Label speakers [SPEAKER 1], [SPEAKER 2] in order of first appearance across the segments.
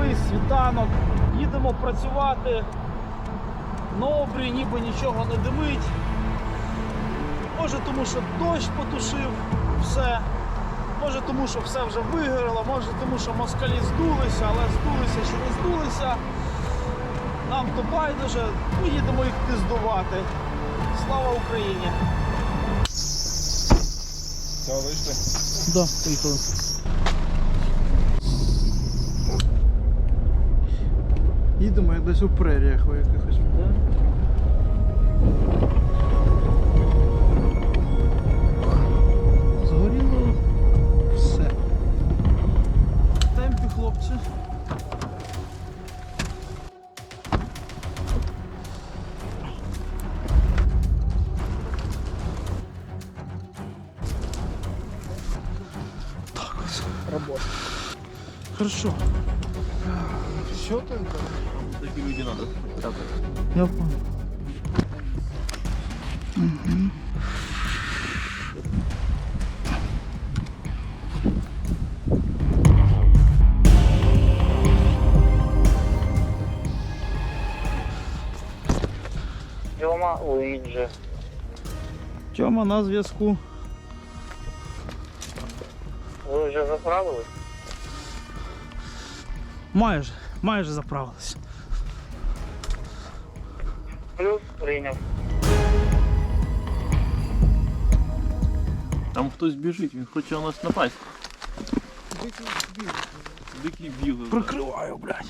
[SPEAKER 1] старий світанок. Їдемо працювати. На обрії ніби нічого не димить. Може тому, що дощ потушив все. Може тому, що все вже вигоріло, може тому, що москалі здулися, але здулися чи не здулися. Нам то байдуже, ми їдемо їх піздувати. Слава Україні!
[SPEAKER 2] Все, вийшли?
[SPEAKER 1] Да, поїхали.
[SPEAKER 3] Їдемо як десь у преріях у якихось. Згоріло все. В темпі, хлопці. Так ось.
[SPEAKER 2] Работа.
[SPEAKER 3] Хорошо.
[SPEAKER 2] Все только? Такие люди надо.
[SPEAKER 3] Я понял. Угу.
[SPEAKER 4] Тьома, Луїджі.
[SPEAKER 3] Тьома на зв'язку.
[SPEAKER 4] Ви вже заправились?
[SPEAKER 1] Майже заправились.
[SPEAKER 4] Плюс прийняв.
[SPEAKER 2] Там хтось біжить, він хоче на нас напасть. Дикий білий.
[SPEAKER 1] Прикриваю, блядь.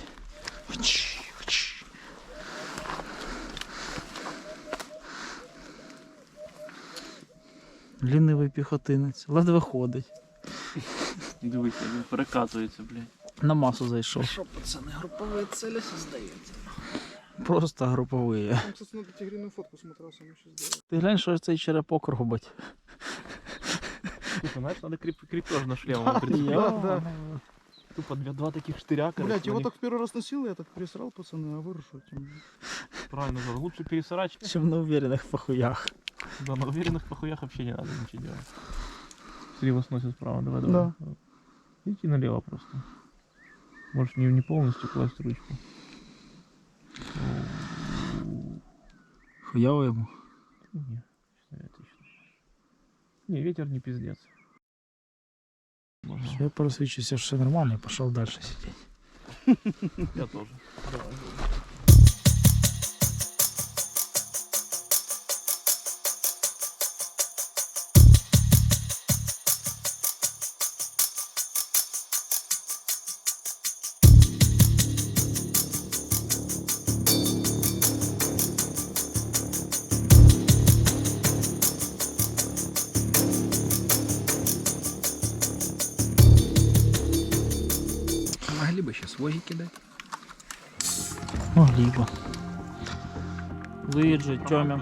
[SPEAKER 1] Лінивий піхотинець, ледве ходить.
[SPEAKER 2] Дивися, він переказується, блядь.
[SPEAKER 1] На масу зайшов.
[SPEAKER 3] Що, пацани, групові цілі здається.
[SPEAKER 1] Просто груповий.
[SPEAKER 3] Там, кстати, на тигриную фотку с матрасом еще сделать.
[SPEAKER 1] Ти глянь, що цей черепок робить.
[SPEAKER 2] Тупо, знаєш, треба кріпеж на шлем прицепити.
[SPEAKER 3] Да.
[SPEAKER 2] Тупо два таких штыряка.
[SPEAKER 3] Блять, его так в первый раз носил, я так пересрал, пацаны, а вы рушите.
[SPEAKER 2] Правильно, говорю, лучше пересрать.
[SPEAKER 1] Чим на уверених похуях.
[SPEAKER 2] Да, на уверенных похуях вообще не надо ничего делать. Слева сносит справа, давай.
[SPEAKER 3] Да.
[SPEAKER 2] Идите налево просто. Можешь не полностью класть ручку.
[SPEAKER 1] Хуяво йому.
[SPEAKER 2] Не, отлично. Не, ветер не пиздец.
[SPEAKER 1] Я просвічився, що все нормально, і пішов далі сидіти.
[SPEAKER 2] Я тоже. Давай.
[SPEAKER 3] Могли бы сейчас воги кидать.
[SPEAKER 1] Могли б. Луїджі, Тьомя.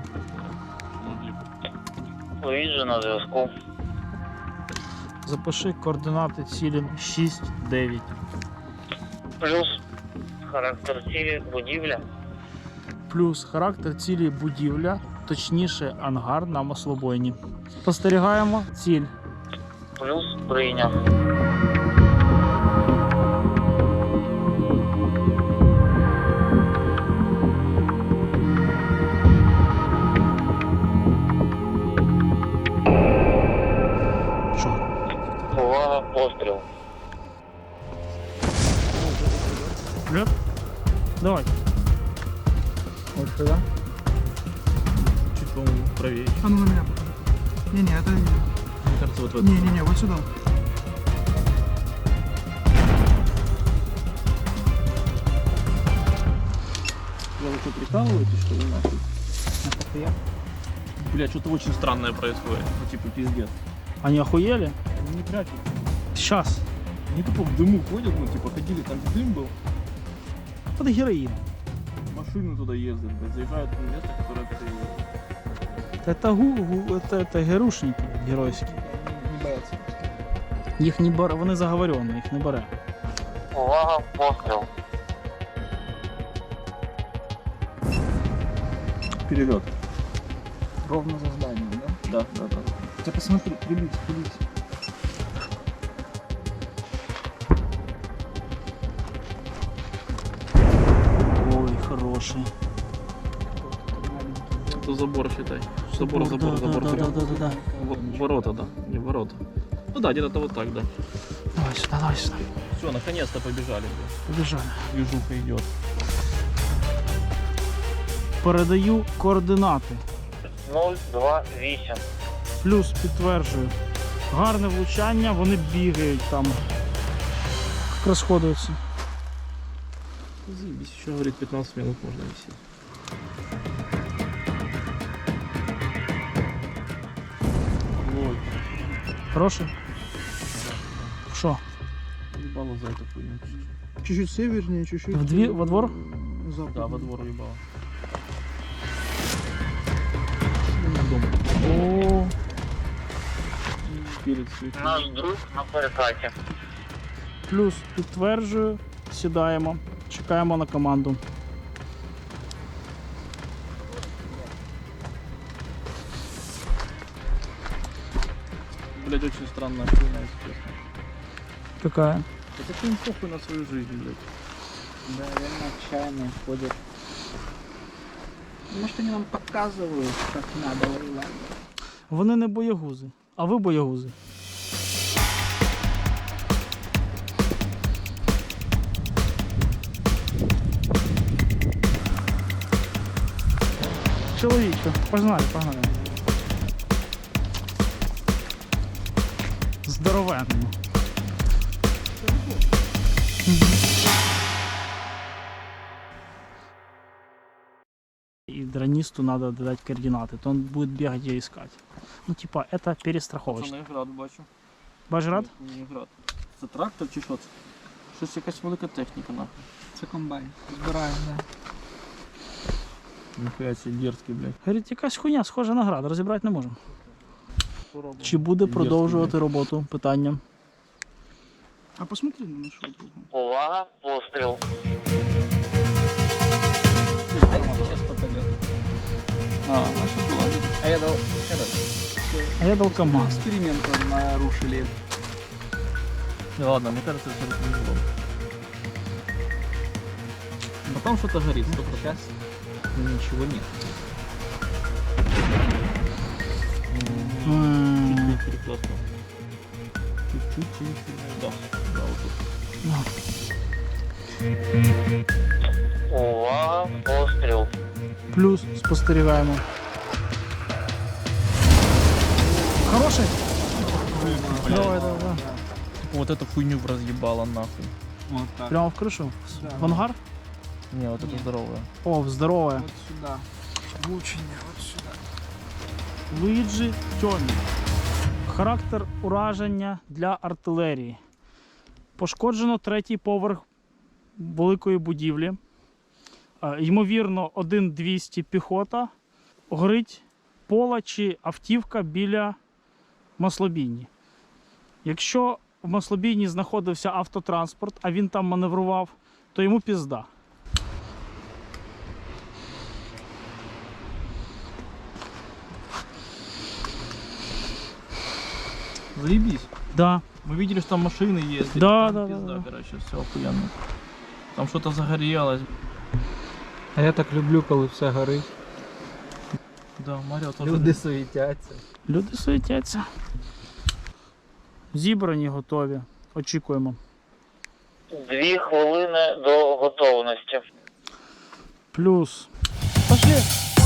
[SPEAKER 4] Луїджі на зв'язку.
[SPEAKER 1] Запиши координати цілі 6-9.
[SPEAKER 4] Плюс характер цілі будівля.
[SPEAKER 1] Плюс характер цілі будівля, точніше ангар на маслобойні. Спостерігаємо ціль.
[SPEAKER 4] Плюс прийняв.
[SPEAKER 1] Що?
[SPEAKER 4] Увага, постріл.
[SPEAKER 1] Леп? Давай. Вот сюда.
[SPEAKER 2] Чуть, по-моему, правее.
[SPEAKER 3] А ну на меня. Не-не, это...
[SPEAKER 2] Мне кажется, вот в этом.
[SPEAKER 3] Не-не-не, вот сюда.
[SPEAKER 2] Вы что, прикалываетесь, что ли, нахуй? Бля, что-то очень странное происходит. Ну, типа, пиздец.
[SPEAKER 1] Они охуели?
[SPEAKER 2] Они не прячут.
[SPEAKER 1] Сейчас.
[SPEAKER 2] Они тупо в дыму ходят, ну, типа, ходили, там дым был.
[SPEAKER 1] Это героин.
[SPEAKER 2] Машины туда ездят, блядь, заезжают в место, которое ты...
[SPEAKER 1] Это герушники геройські.
[SPEAKER 2] Не боятся.
[SPEAKER 1] Їх не бере, вони заговорені, їх не бере.
[SPEAKER 4] Увага, постріл.
[SPEAKER 2] Вперед.
[SPEAKER 3] Ровно за зданием, да?
[SPEAKER 2] Да, да, да.
[SPEAKER 3] Ты посмотри, прились.
[SPEAKER 1] хороший.
[SPEAKER 2] Это забор, считай. Забор.
[SPEAKER 1] Да.
[SPEAKER 2] Ворота, да. Не ворота. Ну да, где-то вот так, да.
[SPEAKER 1] Давай сюда.
[SPEAKER 2] Все, наконец-то побежали.
[SPEAKER 1] Побежали.
[SPEAKER 2] Движуха идет.
[SPEAKER 1] Передаю координати.
[SPEAKER 4] 028.
[SPEAKER 1] Плюс підтверджую. Гарне влучання, вони бігають там. Як розходуються.
[SPEAKER 2] Заебись, еще говорит 15 минут можно висеть. Ой,
[SPEAKER 1] Хороший? Що?
[SPEAKER 2] ебало за эту хуйню.
[SPEAKER 3] Чуть-чуть севернее, чуть-чуть...
[SPEAKER 1] Во двор?
[SPEAKER 3] Западнее.
[SPEAKER 2] Да, во двор ебало.
[SPEAKER 1] О,
[SPEAKER 2] Перед светом.
[SPEAKER 4] Наш друг на перекаті.
[SPEAKER 1] плюс підтверджую. Сідаємо. Чекаємо на команду.
[SPEAKER 2] Блять, очень странная хуйня, если честно.
[SPEAKER 1] Какая?
[SPEAKER 2] Это ты им похуй на свою жизнь, блядь.
[SPEAKER 3] Да, реально отчаянные ходят. Может, они нам показывают, как надо воевать.
[SPEAKER 1] Вони не боягузи, а ви боягузи. Чоловіче, погнали. Здоровенно. И дронисту надо дать координаты, то он будет бегать и искать. Ну типа это перестраховочно.
[SPEAKER 2] Пацаны, град бачу.
[SPEAKER 1] Бажрад?
[SPEAKER 2] Не град. Це трактор чи що це? Щось якась велика техніка, нахуй.
[SPEAKER 3] Це комбайн. Збираємо, да.
[SPEAKER 2] Ніхуя себе дерзкий, блядь.
[SPEAKER 1] Говорить, якась хуйня схожа на град, розібрати не можемо.
[SPEAKER 2] Спробуй.
[SPEAKER 1] Чи буде
[SPEAKER 2] Дерзкий,
[SPEAKER 1] продовжувати
[SPEAKER 2] блядь.
[SPEAKER 1] роботу? Питання.
[SPEAKER 3] А посмотри на нашу друга.
[SPEAKER 4] Увага, постріл.
[SPEAKER 3] Сейчас попадет.
[SPEAKER 2] А, наша була.
[SPEAKER 3] А я дал...
[SPEAKER 1] А я дал КамАЗ.
[SPEAKER 3] Эксперимент нарушили.
[SPEAKER 2] Не, ладно, мне кажется, это не было. Но там что-то горит, 100%.
[SPEAKER 3] Сейчас ничего нет.
[SPEAKER 1] М,
[SPEAKER 2] Чуть-чуть перекласнул. Чуть-чуть. Да, да, вот тут.
[SPEAKER 4] Увага, постріл.
[SPEAKER 1] Плюс спостерігаємо. Хороший? Давай.
[SPEAKER 2] Вот эту хуйню разъебала нахуй.
[SPEAKER 3] Вот так.
[SPEAKER 1] Прямо в кришу?
[SPEAKER 3] Да.
[SPEAKER 1] В ангар?
[SPEAKER 2] Не, вот это здоровая.
[SPEAKER 1] О, здорове.
[SPEAKER 3] Вот сюда. Влучение, вот сюда.
[SPEAKER 1] Луїджі Тьомі. Характер ураження для артилерії. Пошкоджено третій поверх великої будівлі. Ймовірно, 1-200 піхота. Горить пола чи автівка біля маслобійні. Якщо в маслобійні знаходився автотранспорт, а він там маневрував, то йому пізда.
[SPEAKER 2] Заебись.
[SPEAKER 1] Да.
[SPEAKER 2] Мы видели, что там машины ездят.
[SPEAKER 1] Да,
[SPEAKER 2] Там
[SPEAKER 1] да,
[SPEAKER 2] пизда,
[SPEAKER 1] да.
[SPEAKER 2] короче, все охуенно. Там что-то загорелось.
[SPEAKER 3] А я так люблю, коли все горить.
[SPEAKER 2] Да, Марио тоже.
[SPEAKER 3] Люди суетяться.
[SPEAKER 1] Люди суетяться. Зібрані, готові. Очікуємо.
[SPEAKER 4] 2 хвилини до готовності.
[SPEAKER 1] Плюс. Пошли.